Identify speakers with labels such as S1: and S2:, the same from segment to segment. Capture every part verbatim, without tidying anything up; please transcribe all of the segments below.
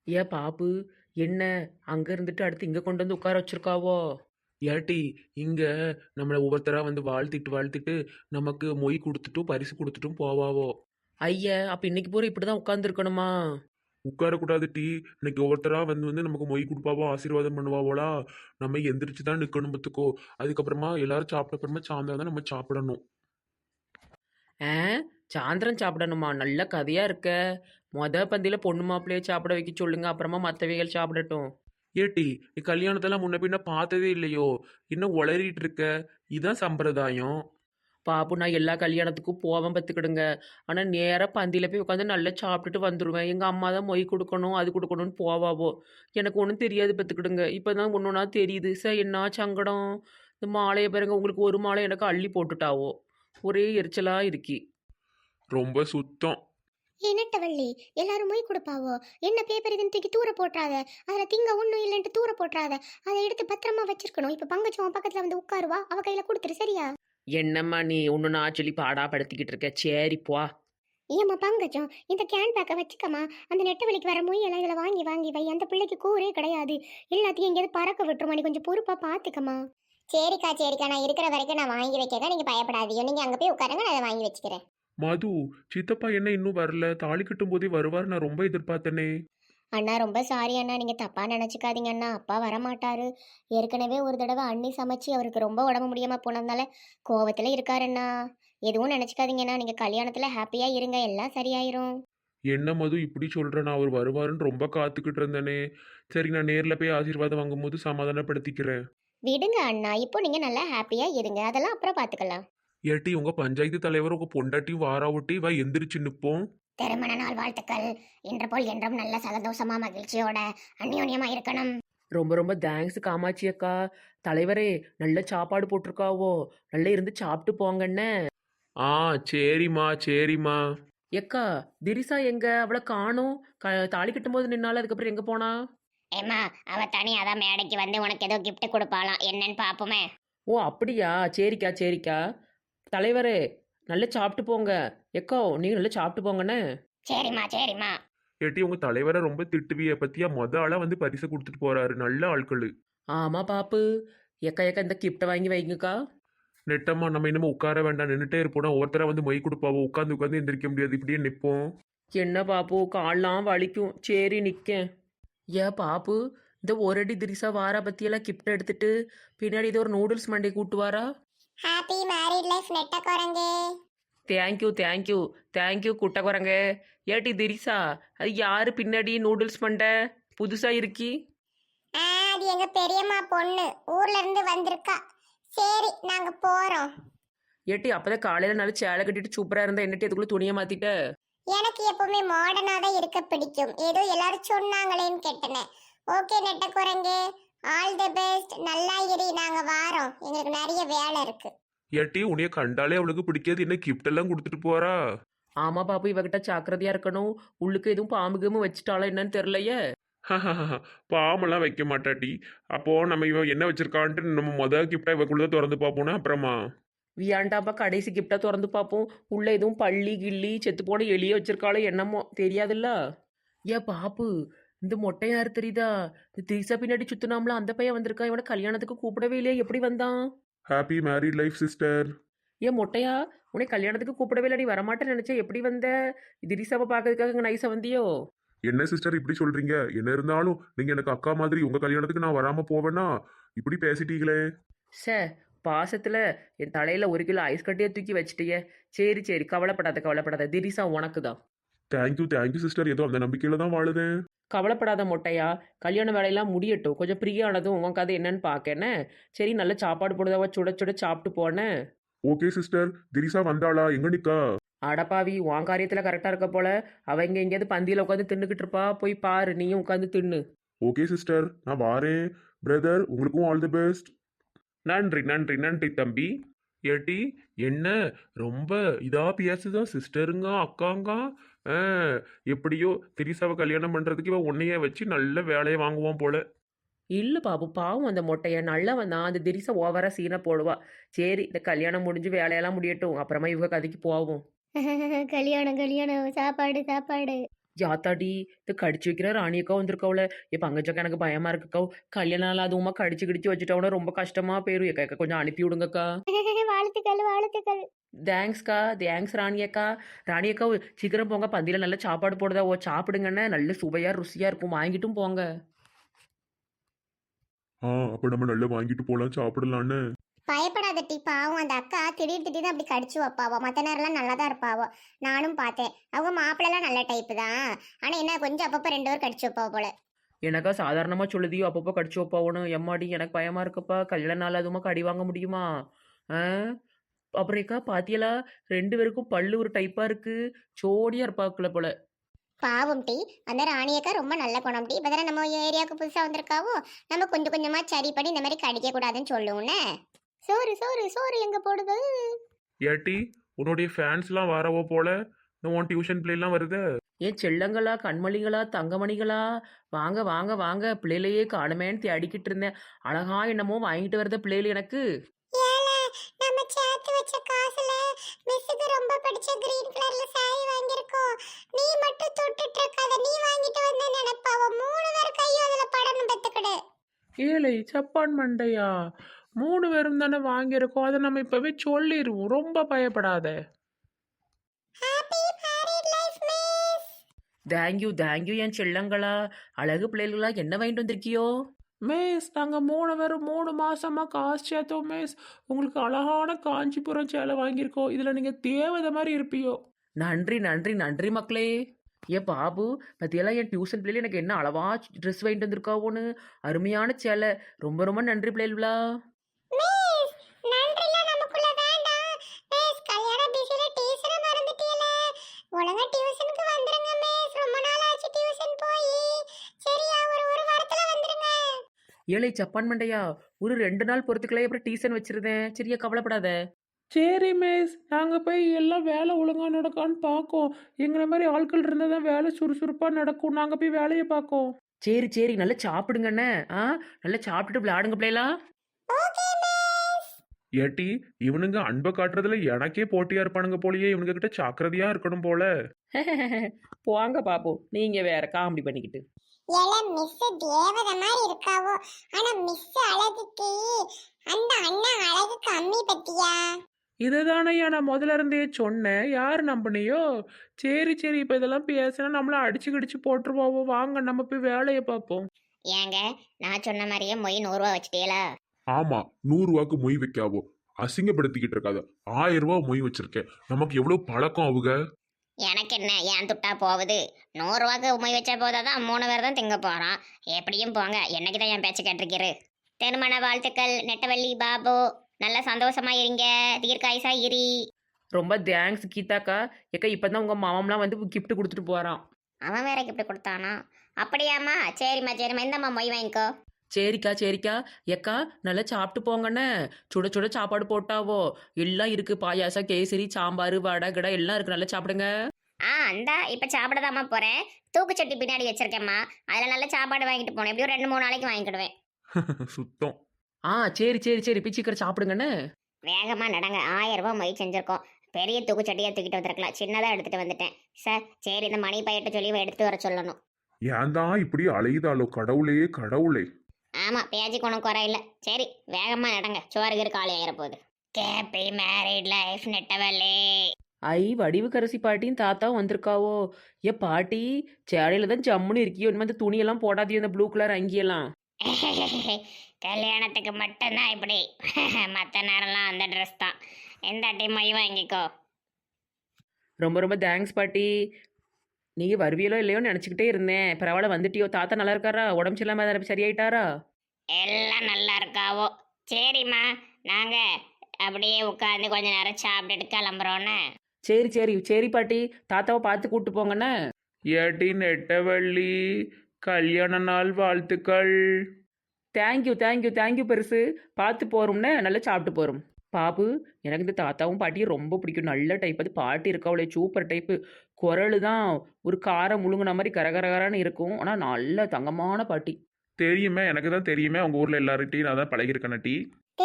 S1: ஏன் பாப்பு, என்ன அங்க இருந்துட்டு அடுத்து இங்க கொண்டு வந்து உட்கார வச்சிருக்காவோ?
S2: ஏட்டி இங்க நம்மளை ஒவ்வொருத்தரா வந்து வாழ்த்திட்டு வாழ்த்திட்டு நமக்கு மொய் கொடுத்துட்டும் பரிசு கொடுத்துட்டும் போவாவோ.
S1: ஐய, அப்ப இன்னைக்கு பூரா இப்படிதான் உட்கார்ந்து இருக்கணுமா?
S2: உட்காரக்கூடாது டீ. இன்னைக்கு ஒவ்வொருத்தரா வந்து வந்து நமக்கு மொய் கொடுப்பாவோ ஆசீர்வாதம் பண்ணுவாவோலா. நம்ம எந்திரிச்சு தான் நிக்கணும் பத்துக்கோ. அதுக்கப்புறமா எல்லாரும் சாப்பிட்ட அப்புறமா சாயந்தரம் தான் நம்ம சாப்பிடணும்.
S1: ஆ, சாயந்தரம் சாப்பிடணுமா? நல்ல கதையா இருக்க. மொத பந்தியில பொண்ணு மாப்பிள்ளைய சாப்பிட வைக்க சொல்லுங்க, அப்புறமா மற்றவைகள் சாப்பிடட்டும்.
S2: ஏட்டி நீ கல்யாணத்தெல்லாம் முன்ன பின்ன பார்த்ததே இல்லையோ? இன்னும் உளறிட்டு இருக்க. இதான் சம்பிரதாயம்.
S1: பாப்பு, நான் எல்லா கல்யாணத்துக்கும் போவேன் பத்துக்கிடுங்க. ஆனால் நேராக பந்தியில் போய் உட்காந்து நல்லா சாப்பிட்டுட்டு வந்துடுவேன். எங்கள் அம்மா தான் மொய் கொடுக்கணும் அது கொடுக்கணும்னு போவாவோ. எனக்கு ஒன்றும் தெரியாது பத்துக்கிடுங்க. இப்போ தான் ஒன்று ஒன்றா தெரியுது. சார் என்ன சங்கடம். இந்த மாலையை பாருங்க, உங்களுக்கு ஒரு மாலை எனக்கு அள்ளி போட்டுட்டாவோ. ஒரே எரிச்சலாக இருக்கி.
S2: ரொம்ப சுத்தம்.
S3: என்னட்டவள்ளி, எல்லாரும் மொய் கொடுப்பாவோ. என்ன பேப்பர் இதுன்னு தூக்கி தூர போட்டுறாத. அதில் திங்க ஒன்றும் இல்லைன்ட்டு தூர போட்டுறாத. அதை எடுத்து பத்திரமா வச்சிருக்கணும். இப்போ பங்கச்சம் பக்கத்தில் வந்து உட்காருவா, அவ கையில் கொடுத்துரு சரியா?
S1: என்னம்மா நீ ஒன்று நான் சொல்லி பாடாப்படுத்திக்கிட்டு இருக்க? சரி போ.
S3: ஏம்மா பங்கஜம், இந்த கேன் பேக்கை வச்சுக்கம்மா. அந்த நெட்ட வலிக்கு வர மொய்யெல்லாம் இதில் வாங்கி வாங்கி வை. அந்த பிள்ளைக்கு கூரே கிடையாது. எல்லாத்தையும் எங்கேயாவது பறக்க விட்டுருமா. நீ கொஞ்சம் பொறுப்பாக பார்த்துக்கம்மா. சரிக்கா சரிக்கா, நான் இருக்கிற வரைக்கும் நான் வாங்கி வைக்கிறேன். நீங்கள் பயப்படாதீங்க. நீங்கள் அங்கே போய் உட்காருங்க, நான் அதை வாங்கி வச்சுக்கிறேன்.
S2: மது, சித்தப்பா என்ன இன்னும் வரல? தாலி கட்டும் போதே வருவார், நான் ரொம்ப எதிர்பார்த்தனே.
S3: அண்ணா ரொம்ப சாரி அண்ணா, நீங்கள் தப்பாக நினச்சிக்காதீங்க அண்ணா. அப்பா வரமாட்டாரு. ஏற்கனவே ஒரு தடவை அண்ணி சமைச்சு அவருக்கு ரொம்ப உடம்பு முடியாமல் போனதுனால கோவத்தில் இருக்காருண்ணா. எதுவும் நினச்சிக்காதீங்கண்ணா. நீங்கள் கல்யாணத்தில் ஹாப்பியாக இருங்க, எல்லாம் சரியாயிரும்.
S2: என்ன மது இப்படி சொல்ற? நான் அவர் வருவாருன்னு ரொம்ப காத்துக்கிட்டு இருந்தேனே. சரி, நான் நேர்ல போய் ஆசீர்வாதம் வாங்கும்போது சமாதானப்படுத்திக்கிறேன்.
S3: விடுங்க அண்ணா, இப்போ நீங்கள் நல்லா ஹாப்பியாக இருங்க, அதெல்லாம் அப்புறம் பார்த்துக்கலாம்.
S2: ஏட்டி உங்க பஞ்சாயத்து தலைவர் உங்க பொண்டாட்டி வாரா ஒட்டி வா எந்திரிச்சு நிப்போம்.
S3: திருமண நாள் வாழ்த்துக்கள். இன்று போல் என்றும் நல்ல சந்தோஷமா மகிழ்ச்சியோட அந்யோன்யமா இருக்கணும்.
S1: ரொம்ப ரொம்ப தேங்க்ஸ் காமாட்சி அக்கா. தலைவரே, நல்ல சாப்பாடு போட்டிருக்காவோ. நல்லா இருந்து சாப்பிட்டு போங்கண்ணே.
S2: ஆ, சரிம்மா சரிம்மா.
S1: எக்கா, திரிசா எங்க? அவளை காணோம். க தாலி கட்டும்போது நின்னால, அதுக்கப்புறம் எங்கே போனா?
S3: ஏம்மா, அவ தனியா தான் மேடைக்கு வந்து உனக்கு ஏதோ கிஃப்ட் கொடுப்பாளாம், என்னன்னு பாப்போமே.
S1: ஓ அப்படியா? சரிக்கா சரிக்கா. தலைவரே, நல்லா சாப்பிட்டு போங்க. எக்கோ, நீங்கள் நல்லா சாப்பிட்டு போங்கண்ணே.
S3: சரிம்மா சரிம்மா.
S2: ஏட்டி உங்க தலைவரை ரொம்ப திட்டுவிய பத்தியா? மொத ஆளா வந்து பரிசு கொடுத்துட்டு போறாரு. நல்ல ஆட்களு.
S1: ஆமாம் பாப்பு. எக்கா எக்கா, இந்த கிஃப்ட்டை வாங்கி வைங்கக்கா.
S2: நெட்டம்மா, நம்ம இன்னமும் உட்கார வேண்டாம், நின்றுட்டே இருப்போம். ஒருத்தர வந்து மொய் கொடுப்பாவோ. உட்காந்து உட்காந்து எந்திரிக்க முடியாது, இப்படியே நிற்போம்.
S1: என்ன பாப்பு, கால்லாம் வலிக்கும். சரி நிற்கேன். ஏ பாப்பு, இந்த ஒரு அடி திரிசா வாரா பத்தியெல்லாம் கிஃப்ட் எடுத்துட்டு பின்னாடி ஏதோ ஒரு நூடுல்ஸ் மண்டை கூட்டு வாரா.
S3: ஹாப்பி மேரிட் லைஃப் நெட்ட குரங்கு.
S1: தேங்க்யூ தேங்க்யூ தேங்க்யூ குட்டை குரங்க. ஏட்டி திரிசா, அது யாரு பின்னாடி நூடுல்ஸ் மண்டை புதுசா இருக்கி?
S3: அது எங்க பெரியம்மா பொண்ணு, ஊர்ல இருந்து வந்திருக்கா. சரி, நாங்க போறோம்.
S1: ஏட்டி, அப்பதான் காலையில நல்லா சேலை கட்டிட்டு சூப்பரா இருந்தா என்னட்டி அதுக்குள்ள துணியை மாத்திட்ட?
S3: எனக்கு எப்பவுமே மாடர்னா தான் இருக்க பிடிக்கும். ஏதோ எல்லாரும் சொன்னாங்களேன்னு கேட்டேன். ஓகே நெட்ட குரங்கு, ஆல் தி பெஸ்ட். நல்லா இரு, நாங்க வாரோம். எங்களுக்கு நிறைய வேலை இருக்கு.
S2: ஏட்டி உன்னைய கண்டாலே அவளுக்கு பிடிக்காது, என்ன கிஃப்ட் எல்லாம் கொடுத்துட்டு போறா.
S1: ஆமா பாப்பு, இவகிட்ட ஜாக்கிரதையா இருக்கணும். உள்ளுக்கு எதுவும் பாம்பு கீமு வச்சுட்டாளோ என்னன்னு தெரியலையே.
S2: பாமெல்லாம் வைக்க மாட்டாட்டி. அப்போ நம்ம இவ என்ன வச்சிருக்கான்ட்டு நம்ம மொதல் கிஃப்டா இவக்குள்ள திறந்து பார்ப்போம்னா அப்புறமா.
S1: வியாண்டாப்பா, கடைசி கிஃப்டா திறந்து பார்ப்போம். உள்ள எதுவும் பள்ளி கிள்ளி செத்து போன எலிய வச்சிருக்காளோ என்னமோ தெரியாதுல்ல. ஏ பாப்பு, இந்த மொட்டை யாரு தெரியுதா? இந்த திரிசா பின்னாடி சுத்தினாம்ல அந்த பையன் வந்திருக்கான். இவனை கல்யாணத்துக்கு கூப்பிடவே இல்லையா? எப்படி வந்தான்?
S2: Happy married life sister.
S1: ஏன் மொட்டையா, உன்னை கல்யாணத்துக்கு கூப்பிடவே இல்லை, நீ வரமாட்டேன்னு நினைச்சா எப்படி வந்த? திரிசாவை பார்க்கறதுக்காக இங்கே நைஸா வந்தியோ?
S2: என்ன சிஸ்டர் இப்படி சொல்றீங்க? என்ன இருந்தாலும் நீங்க எனக்கு அக்கா மாதிரி. உங்க கல்யாணத்துக்கு நான் வராம போவேன்னா இப்படி பேசிட்டீங்களே.
S1: சே, பாசத்துல என் தலையில ஒரு கிலோ ஐஸ் கட்டியே தூக்கி வச்சுட்டியே. சரி சரி, கவலைப்படாத கவலைப்படாத. திரிசா உனக்கு தான்.
S2: Thank you thank you sister. ஏதோ அந்த நம்பிக்கையில தான் வாழுதேன்.
S1: கவலைப்படாத மொட்டையா. கல்யாண வேலையெல்லாம் முடியட்டும். கொஞ்சம் ஃப்ரீயானதும் உன் கதை என்னன்னு பார்க்கேன்னு. சரி, நல்ல சாப்பாடு போடுதவா சுட சுட சாப்பிட்டு போனேன்.
S2: Okay sister. திரிசா வந்தாளா? எங்க நிக்கா?
S1: அடப்பாவி, உன் காரியத்தில் கரெக்டாக இருக்க போல. அவ இங்கே எங்கேயாவது பந்தியில் உட்காந்து தின்னுக்கிட்டு இருப்பா. போய் பாரு, நீயும் உட்காந்து தின்னு.
S2: ஓகே சிஸ்டர், நான் வாரேன். பிரதர், உங்களுக்கும் ஆல் தி பெஸ்ட். நன்றி நன்றி நன்றி தம்பி. ஏட்டி என்ன ரொம்ப இதா பேசுதான் சிஸ்டருங்க அக்காங்க. ஆ, எப்படியோ திரிசாவை கல்யாணம் பண்றதுக்கு இவன் உன்னைய வச்சு நல்ல வேலையை வாங்குவான் போல.
S1: இல்லை பாபு, பாவம் அந்த மொட்டையை நல்லவன் தான். அந்த திரிசை ஓவரா சீனை போடுவா. சரி, இந்த கல்யாணம் முடிஞ்சு வேலையெல்லாம் முடியட்டும், அப்புறமா இவங்க கதைக்கு போவோம்.
S3: கல்யாணம் கல்யாணம், சாப்பாடு சாப்பாடு.
S1: யாத்தாடி இது கடிச்சு வைக்கிற ராணியக்கா வந்திருக்கவுல என் பங்கச்சக்கா எனக்கு பயமா இருக்குக்கா கல்யாணம் நாள் அதுவுமா கடிச்சு கிடிச்சு வச்சுட்டோம்னா ரொம்ப கஷ்டமா போயிரும் ஏக்கா கொஞ்சம் அனுப்பி விடுங்கக்கா
S3: வாழ்த்துக்கள் வாழ்த்துக்கள்.
S1: தேங்க்ஸ்க்கா தேங்க்ஸ் ராணியக்கா ராணியக்கா சீக்கிரம் போங்க பந்தியில் நல்ல சாப்பாடு போடுதா ஓ சாப்பிடுங்கண்ணே நல்ல சுவையாக ருசியாக இருக்கும் வாங்கிட்டும் போங்க
S2: ஆ அப்ப நம்ம நல்லா வாங்கிட்டு போலாம் சாப்பிடலான்னு.
S3: பயப்படாத டி, பாவம் அந்த அக்கா திடீர் திடீர்னு அப்படி கடிச்சு வைப்பாவோ. மற்ற நேரம்லாம் நல்லா தான் இருப்பாவோ. நானும் பார்த்தேன். அவங்க மாப்பிள்ளலாம் நல்ல டைப்பு தான். ஆனால் என்ன கொஞ்சம் அப்பப்போ ரெண்டு பேரும் கடிச்சு வைப்பாவோ போல.
S1: எனக்கா சாதாரணமாக சொல்லுதியோ அப்பப்போ கடிச்சு வைப்பாவணும் எம்மாடி எனக்கு பயமா இருக்குப்பா கல்யாண நாள் அதுவுமா கடி வாங்க முடியுமா ஆ அப்புறம்க்கா பாத்தியலா ரெண்டு பேருக்கும் பல்லு ஒரு டைப்பாக இருக்கு ஜோடியாக இருப்பாக்குள்ள போல
S3: பாவம் டி, அந்த ராணியக்கா ரொம்ப நல்ல குணம் டி. இப்போ தானே நம்ம ஏரியாவுக்கு புதுசாக வந்திருக்காவோ, நம்ம கொஞ்சம் கொஞ்சமாக சரி பண்ணி இந்த மாதிரி கடிக்க கூடாதுன்னு சொல்லுவோன்னே. சோறு சோறு சோறு எங்கே போடுது?
S2: ஏட்டி உன்னுடைய ஃபேன்ஸ்லாம் வரவோ போல, இந்த உன் டியூஷன் பிள்ளைலாம் வருது.
S1: ஏன் செல்லங்களா கண்மணிகளா தங்கமணிகளா வாங்க வாங்க வாங்க பிள்ளையிலையே காணுமேன்னு தேடிக்கிட்டு இருந்தேன் அழகா என்னமோ வாங்கிட்டு வரத பிள்ளைகள் எனக்கு
S3: ஏலே, நம்ம சேர்த்து வச்ச காசுல மிஸ்ஸுக்கு ரொம்ப பிடிச்ச கிரீன் கலர்ல சாரி வாங்கியிருக்கோம். நீ மட்டும் தொட்டுட்டு இருக்காத, நீ வாங்கிட்டு வந்த நினைப்பாவ. மூணு பேர் கையும் அதுல படணும் பெத்துக்கிடு.
S1: ஏழை சப்பான் மண்டையா மூணு பேரும் தானே வாங்கியிருக்கோம் அதை நம்ம இப்பவே சொல்லிடுவோம் ரொம்ப பயப்படாத
S3: happy married life miss.
S1: Thank you thank you என் செல்லங்களா அழகு பிள்ளைகளா என்ன வாங்கிட்டு வந்திருக்கியோ மிஸ் நாங்கள் மூணு பேரும் மூணு மாசமா காசு சேர்த்தோம் மிஸ் உங்களுக்கு அழகான காஞ்சிபுரம் சேலை வாங்கியிருக்கோம் இதில் நீங்கள் தேவதை மாதிரி இருப்பியோ நன்றி நன்றி நன்றி மக்களே ஏன் பாபு பத்தியெல்லாம் என் டியூஷன் பிள்ளைல எனக்கு என்ன அளவா ட்ரெஸ் வாங்கிட்டு வந்திருக்காவோன்னு அருமையான சேலை ரொம்ப ரொம்ப நன்றி பிள்ளைகளா
S3: மிஸ், நன்றிலாம் நமக்குள்ள வேண்டாம். மிஸ், கல்யாண பிஸில டீச்சரை மறந்துட்டீல. ஒழுங்கா டியூஷனுக்கு வந்துருங்க மிஸ். ரொம்ப நாள் ஆச்சு டியூஷன் போய். சரியா, ஒரு ஒரு வாரத்துல வந்துருங்க.
S1: ஏழை சப்பான் மண்டையா ஒரு ரெண்டு நாள் பொறுத்துக்கலே அப்புறம் டியூஷன் வச்சிருந்தேன் சரியா கவலைப்படாத சரி மிஸ் நாங்கள் போய் எல்லாம் வேலை ஒழுங்காக நடக்கான்னு பார்க்கோம் எங்களை மாதிரி ஆட்கள் இருந்தால் தான் வேலை சுறுசுறுப்பாக நடக்கும் நாங்கள் போய் வேலையை பார்க்கோம் சரி சரி நல்லா சாப்பிடுங்கண்ணே ஆ நல்லா சாப்பிட்டுட்டு விளையாடுங்க பிள்ளைலாம்
S3: ஓகே மிஸ்.
S2: ஏட்டி இவனுங்க அன்பை காட்டுறதுல எனக்கே போட்டியா இருப்பானுங்க போலயே, இவனுங்க கிட்ட ஜாக்கிரதையா இருக்கணும் போல.
S1: போங்க பாப்போம் நீங்கள் வேற காமெடி பண்ணிக்கிட்டு
S3: ஏல மிஸ் தேவதை மாதிரி இருக்காவோ. ஆனா மிஸ் அழகுக்கு அந்த அண்ணன் அழகு கம்மி பத்தியா?
S1: இதுதானையா நான் முதல்ல இருந்தே சொன்னேன் யார் நம்பினியோ சரி சரி இப்போ இதெல்லாம் பேசினா நம்மள அடிச்சு கிடிச்சு போட்டுருவோம் வாங்க நம்ம போய் வேலையை பார்ப்போம்
S3: ஏங்க, நான் சொன்ன மாதிரியே மொய் நூறு ரூபா வச்சிட்டீங்களா?
S2: ஆமா, நூறு ரூபாய்க்கு மொய் வைக்காவோ, அசிங்கப்படுத்திக்கிட்டு இருக்காத. ஆயிரம் ரூபாய் மொய் வச்சிருக்கேன், நமக்கு எவ்வளவு பழக்கம் அவங்க.
S3: எனக்கு என்ன, ஏன் துட்டா போகுது? நூறுரூவாக்கு உமை வச்சா போதாதான் மூணு பேர் தான் திங்க போகிறோம். எப்படியும் போங்க, என்னைக்கு தான் என் பேச்சு கேட்டிருக்கிரு. திருமண வாழ்த்துக்கள் நெட்டவள்ளி பாபு. நல்ல சந்தோஷமா இருங்க, தீர்க்காயுசா இரி.
S1: ரொம்ப தேங்க்ஸ் கீதாக்கா ஏக்கா இப்போ தான் உங்கள் மாமம்லாம் வந்து கிஃப்ட் கொடுத்துட்டு போகிறான்
S3: அவன் வேற கிஃப்ட் கொடுத்தானா? அப்படியாம்மா, சரிம்மா சரிம்மா, இந்தம்மா மொய் வாங்கிக்கோ.
S1: சரிக்கா சரிக்கா ஏக்கா நல்லா சாப்பிட்டு போங்கண்ணே சுட சுட சாப்பாடு போட்டாவோ எல்லாம் இருக்கு பாயாசம் கேசரி சாம்பார் வடை கடை எல்லாம் இருக்கு நல்லா சாப்பிடுங்க
S3: ஆ அந்தா இப்போ சாப்பிடதாம்மா போகிறேன். தூக்குச்சட்டி பின்னாடி வச்சிருக்கேம்மா, அதில் நல்ல சாப்பாடு வாங்கிட்டு போனேன். எப்படியும் ரெண்டு மூணு நாளைக்கு வாங்கிக்கிடுவேன்.
S2: சுத்தம்.
S1: ஆ சரி சரி சரி போய் சீக்கிரம் சாப்பிடுங்கண்ணே
S3: வேகமாக நடங்க, ஆயிரம் ரூபாய் மொய் செஞ்சுருக்கோம். பெரிய தூக்குச்சட்டியாக தூக்கிட்டு வந்திருக்கலாம், சின்னதாக எடுத்துகிட்டு வந்துட்டேன் சார். சரி, இந்த மணி பையிட்ட சொல்லி எடுத்து வர சொல்லணும்.
S2: ஏன் தான் இப்படி அலையுதாலோ கடவுளே கடவுளே.
S3: ஆமாம், பேஜி குணம் குறை இல்லை. சரி, வேகமாக நடங்க, சோறுகிற காலி ஆகிற போகுது. கேப்பி மேரிட் லைஃப் நெட்டவள்ளி.
S1: ஐ வடிவுக்கரசி பாட்டியும் தாத்தாவும் வந்திருக்காவோ ஏ பாட்டி சேலையில தான் ஜம்முன்னு இருக்கியோ இனிமே அந்த துணியெல்லாம் போடாதியோ இந்த ப்ளூ கலர் அங்கியெல்லாம்
S3: கல்யாணத்துக்கு மட்டும்தான் இப்படி, மற்ற நேரம்லாம் அந்த ட்ரெஸ் தான். எந்த அட்டை மொய் வாங்கிக்கோ.
S1: ரொம்ப ரொம்ப தேங்க்ஸ் பாட்டி நீங்கள் வருவியலோ இல்லையோன்னு நினச்சிக்கிட்டே இருந்தேன் பரவாயில்ல வந்துட்டியோ தாத்தா நல்லா இருக்காரா உடம்பு சரியில்லாம சரியாயிட்டாரா
S3: எல்லாம் நல்லா இருக்காவோ. சரிம்மா, நாங்கள் அப்படியே உட்காந்து கொஞ்ச நேரம் சாப்பிட்டுட்டு கிளம்புறோன்னு.
S1: சரி சரி சரி பாட்டி தாத்தாவை பார்த்து கூப்பிட்டு போங்கண்ணே
S2: ஏட்டி நெட்டவள்ளி கல்யாண நாள் வாழ்த்துக்கள்.
S1: தேங்க்யூ தேங்க்யூ தேங்க்யூ பெருசு பார்த்து போகிறோம்னே நல்லா சாப்பிட்டு போகிறோம் பாபு எனக்கு இந்த தாத்தாவும் பாட்டியும் ரொம்ப பிடிக்கும் நல்ல டைப் அது பாட்டி இருக்கவளே சூப்பர் டைப்பு குரல் தான் ஒரு காரம் முழுங்கின மாதிரி கரகரகரான்னு இருக்கும் ஆனால் நல்ல தங்கமான பாட்டி
S2: தெரியுமே, எனக்கு தான் தெரியுமே, அவங்க ஊர்ல எல்லார்கிட்டையும் நான் தான் பழகிருக்கேன் டி.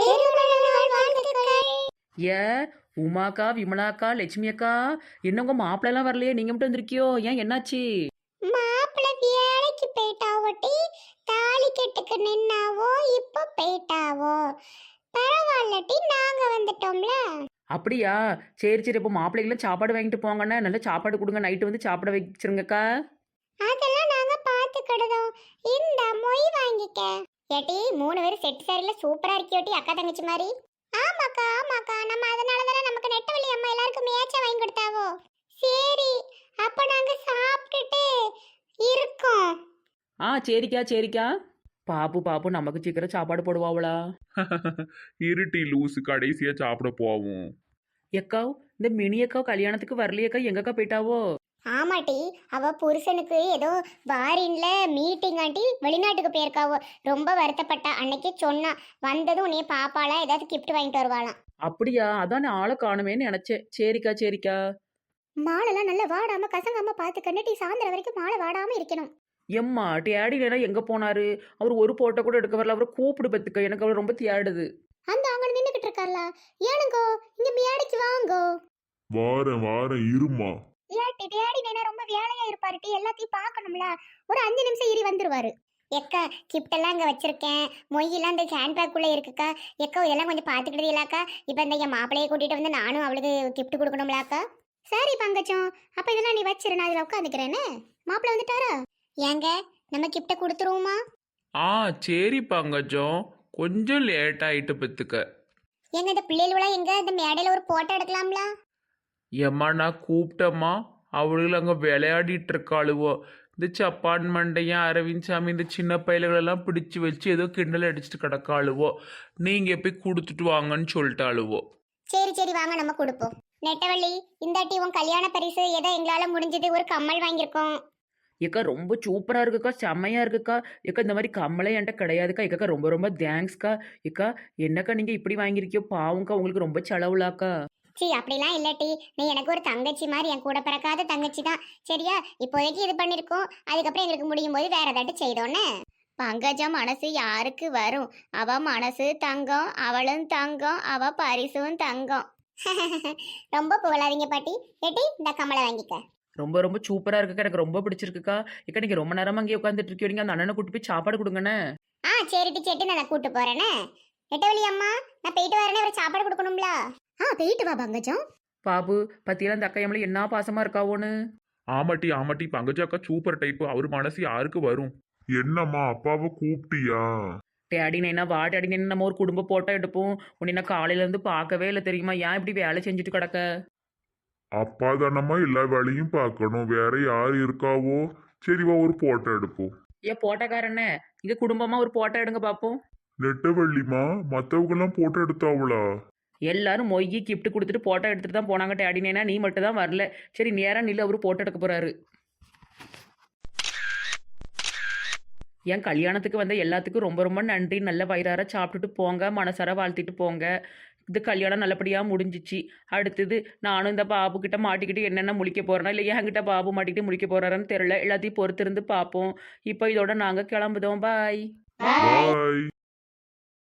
S1: ஏ உமாக்கா விமலாக்கா லட்சுமி அக்கா என்ன உங்கள் மாப்பிள்ளலாம் வரலையே நீங்கள் மட்டும் வந்திருக்கியோ ஏன் என்னாச்சு
S3: போயிட்டாவோட்டி, தாலி கெட்டுக்கு நின்னாவோ இப்போ போயிட்டாவோ. பரவாயில்லட்டி நாங்க வந்துட்டோம்ல.
S1: அப்படியா? சரி சரி, இப்போ மாப்பிள்ளைகளும் சாப்பாடு வாங்கிட்டு போங்கண்ணே, நல்ல சாப்பாடு கொடுங்க, நைட்டு வந்து சாப்பிட வச்சிருங்கக்கா.
S3: அதெல்லாம் நாங்க பாத்துக்கிடுதோம். இந்த மொய் வாங்கிக்க. ஏட்டி மூணு பேரும் செட் சாரில சூப்பரா இருக்கியோட்டி, அக்கா தங்கச்சி மாதிரி. ஆமாக்கா ஆமாக்கா, நம்ம அதனால தானே நமக்கு நெட்டவள்ளி அம்மா எல்லாருக்கும் மேட்சா வாங்கி கொடுத்தாவோ. சரி, அப்ப நாங்க சாப்பிட்டுட்டு இருக்கோம்.
S1: ஆ சரிக்கா சரிக்கா. பாப்பு பாப்பு நமக்கு சீக்கிரம் சாப்பாடு போடுவாங்களா?
S2: இருட்டி லூசு, கடைசியா சாப்பிட போவோம்.
S1: எக்காவ், இந்த மினி அக்காவ் கல்யாணத்துக்கு வரலையக்கா, எங்கக்கா போயிட்டாவோ?
S3: ஆமாட்டி, அவ புருஷனுக்கு ஏதோ பாரின்ல மீட்டிங் ஆட்டி வெளிநாட்டுக்கு போயிருக்காவோ. ரொம்ப வருத்தப்பட்டா. அன்னைக்கு சொன்னா வந்ததும் உன்னைய பாப்பாளா ஏதாவது கிஃப்ட் வாங்கிட்டு வருவாளாம்.
S1: அப்படியா? அதான் நான் ஆளை காணுமேன்னு நினைச்சேன். சரிக்கா சரிக்கா.
S3: மாலெல்லாம் நல்லா வாடாம கசங்காம பார்த்து கண்ணுட்டி, சாயந்தரம் வரைக்கும் மாலை வாடாம இருக்கணும்.
S1: எம்மா டேடி வேணா எங்க போனாரு? அவர் ஒரு போட்டோ கூட எடுக்க வரல. அவரை கூப்பிடு பத்துக்க, எனக்கு அவர் ரொம்ப தியாடுது.
S3: அந்த அங்க நின்னுகிட்டு இருக்கார்ல, ஏனுங்கோ இங்க மேடைக்கு வாங்கோ.
S2: வாரேன் வாரேன் இருமா.
S3: ஏட்டி டேடி வேணா ரொம்ப வேலையா இருப்பாருட்டி, எல்லாத்தையும் பார்க்கணும்ல. ஒரு அஞ்சு நிமிஷம் இரி வந்துருவாரு. எக்கா கிஃப்ட் எல்லாம் இங்க வச்சிருக்கேன். மொய்யெல்லாம் இந்த ஹேண்ட்பேக் குள்ள இருக்குக்கா. எக்கா இதெல்லாம் கொஞ்சம் பாத்துக்கிட்டீங்களாக்கா? இப்ப இந்த என் மாப்பிளையை கூட்டிட்டு வந்து நானும் அவளுக்கு கிஃப்ட் கொடுக்கணும்லாக்கா. சரி பங்கச்சம், அப்ப இதெல்லாம் நீ வச்சிரு, நான் இதுல உட்காந்துக்கிறேன்னு. மாப்பிள்ளை வந்துட்டாரா? ஏங்க நம்ம கிஃப்ட கொடுத்துருவோமா?
S2: ஆ சரி பங்கஜம், கொஞ்சம் லேட் ஆயிட்டு பத்துக்க.
S3: எங்க இந்த பிள்ளைகளெல்லாம் எங்க இந்த மேடையில ஒரு போட்டோ எடுக்கலாம்ல?
S2: ஏம்மா நான் கூப்பிட்டம்மா, அவளுகள் அங்கே விளையாடிட்டு இருக்காளுவோ. இந்த சப்பான் மண்டையன் அரவிந்த் சாமி இந்த சின்ன பயல்களெல்லாம் பிடிச்சி வச்சு ஏதோ கிண்டல் அடிச்சுட்டு கிடக்காளுவோ. நீங்கள் போய் கொடுத்துட்டு வாங்கன்னு சொல்லிட்டாளுவோ.
S3: சரி சரி வாங்க நம்ம கொடுப்போம். நெட்டவள்ளி, இந்தாட்டி உன் கல்யாண பரிசு ஏதோ எங்களால முடிஞ்சது, ஒரு கம்மல் வாங்கியிருக்கோம்.
S1: ஏக்கா ரொம்ப சூப்பரா இருக்குக்கா, செம்மையா இருக்குக்கா. ஏக்கா இந்த மாதிரி கம்மலே என்கிட்ட கிடையாதுக்கா. ஏக்கா ரொம்ப ரொம்ப தேங்க்ஸ்க்கா. ஏக்கா என்னக்கா நீங்க இப்படி வாங்கியிருக்கியோ, பாவம்க்கா, உங்களுக்கு ரொம்ப செலவுலாக்கா.
S3: சி அப்படிலாம் இல்லாட்டி, நீ எனக்கு ஒரு தங்கச்சி மாதிரி, என் கூட பிறக்காத தங்கச்சி தான். சரியா? இப்போதைக்கு இது பண்ணிருக்கோம், அதுக்கப்புறம் எங்களுக்கு முடியும் போது வேற ஏதாட்டு செய்தோன்னு. பங்கஜம் மனசு யாருக்கு வரும்? அவ மனசு தங்கம், அவளும் தங்கம், அவ பரிசும் தங்கம். ரொம்ப புகழாதீங்க பாட்டி. ஏட்டி இந்த கமலை வாங்கிக்க.
S1: ரொம்ப ரொம்ப சூப்பரா இருக்குக்கா, எனக்கு ரொம்ப பிடிச்சிருக்குக்கா. ஏக்கா நீங்க ரொம்ப நேரமா அங்கேயே உட்காந்துட்டு இருக்கீங்க, அந்த அண்ணனை கூட்டி போய் சாப்பாடு கொடுங்கண்ணே.
S3: ஆ சரிட்டி சேட்டி, நான் கூட்டு போறேனே. நெட்டவள்ளி அம்மா, நான் போயிட்டு வரேனே, ஒரு சாப்பாடு கொடுக்கணும்ல. ஆ போயிட்டு வா பங்கஜம்.
S1: பாபு பத்தியெல்லாம் இந்த அக்கா எம்மளை என்ன பாசமா இருக்காவோன்னு.
S2: ஆமாட்டி ஆமாட்டி, பங்கஜாக்கா சூப்பர் டைப்பு. அவர் மனசு யாருக்கு வரும்? என்னம்மா அப்பாவை கூப்பிட்டியா?
S1: டேடி நைனா வா டேடி நைனா, நம்ம ஒரு குடும்ப போட்டோ எடுப்போம். உன்னை நான் காலையில இருந்து பார்க்கவே இல்லை தெரியுமா? ஏன் இப்படி வேலை செஞ்சுட்டு கிடக்க?
S2: அப்பா தானம்மா எல்லா வேலையும் பார்க்கணும், வேற யார் இருக்காவோ? சரிவா ஒரு போட்டோ எடுப்போம்.
S1: ஏன் போட்டோக்காரண்ணே, இங்க குடும்பமா ஒரு போட்டோ எடுங்க பார்ப்போம்.
S2: நெட்டவள்ளிமா, மற்றவங்கெல்லாம் போட்டோ எடுத்தாவளா?
S1: எல்லாரும் மொய்யி கிஃப்ட் கொடுத்துட்டு போட்டோ எடுத்துட்டு தான் போனாங்க டேடி நைனா, நீ மட்டும் தான் வரல. சரி நேரா நில்லு, அவரு போட்டோ எடுக்க போறாரு. என் கல்யாணத்துக்கு வந்த எல்லாத்துக்கும் ரொம்ப ரொம்ப நன்றி. நல்ல வயிறார சாப்பிட்டுட்டு போங்க, மனசார வாழ்த்திட்டு போங்க. இது கல்யாணம் நல்லபடியாக முடிஞ்சிச்சு. அடுத்தது நானும் இந்த பாபு கிட்ட மாட்டிக்கிட்டு என்னென்ன முழிக்க போகிறேன்னா, இல்லை என்கிட்ட பாபு மாட்டிக்கிட்டு முழிக்க போகிறாருன்னு தெரில. எல்லாத்தையும் பொறுத்திருந்து பார்ப்போம். இப்போ இதோட நாங்கள் கிளம்புதோம். பாய்.
S2: பாய்.